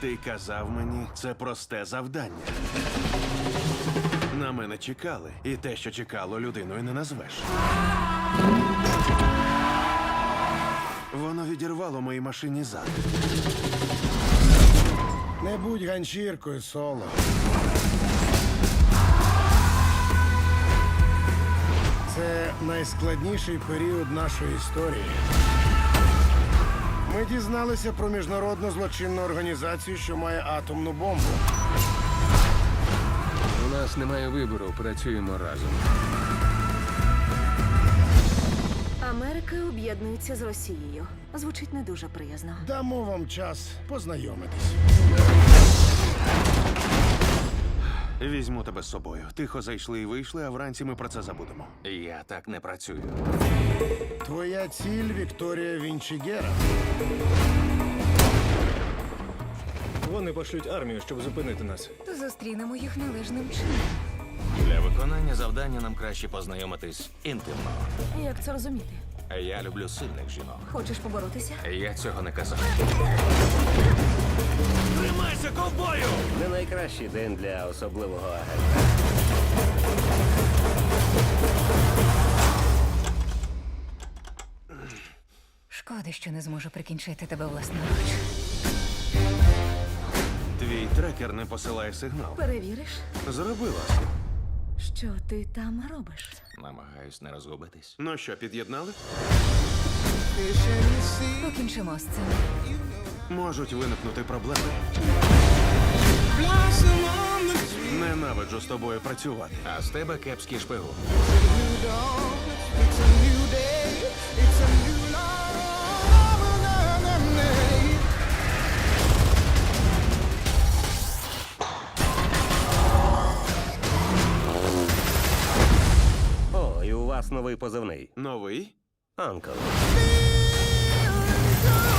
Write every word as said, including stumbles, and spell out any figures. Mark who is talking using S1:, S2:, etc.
S1: Ти казав мені, це просте завдання. На мене чекали, і те, що чекало, людиною не назвеш. Воно відірвало моїй машині зад.
S2: Не будь ганчіркою, Соло. Це найскладніший період нашої історії. Ми дізналися про міжнародну злочинну організацію, що має атомну бомбу.
S3: У нас немає вибору, працюємо разом.
S4: Америка об'єднується з Росією. Звучить не дуже приязно.
S2: Дамо вам час познайомитись.
S1: Візьму тебе з собою. Тихо зайшли і вийшли, а вранці ми про це забудемо.
S3: Я так не працюю.
S2: Твоя ціль Вікторія Вінчігера.
S5: Вони пошлють армію, щоб зупинити нас.
S4: То зустрінемо їх належним чином.
S3: Для виконання завдання нам краще познайомитись інтимно.
S4: Як це розуміти?
S3: Я люблю сильних жінок.
S4: Хочеш поборотися?
S3: Я цього не казав.
S1: Тримайся, ковбою!
S6: Не найкращий день для особливого агента.
S4: Шкода, що не зможу прикінчити тебе власноруч.
S1: Твій трекер не посилає сигнал.
S4: Перевіриш,
S1: Зробила.
S4: що ти там робиш?
S3: Намагаюсь не розгубитись.
S1: Ну що, під'єднали?
S4: Покінчимо з цим.
S1: Можуть виникнути проблеми. Ненавиджу з тобою працювати.
S3: А з тебе кепський шпигун.
S6: О, і у вас новий позивний.
S1: Новий?
S6: Анкл.
S7: Feel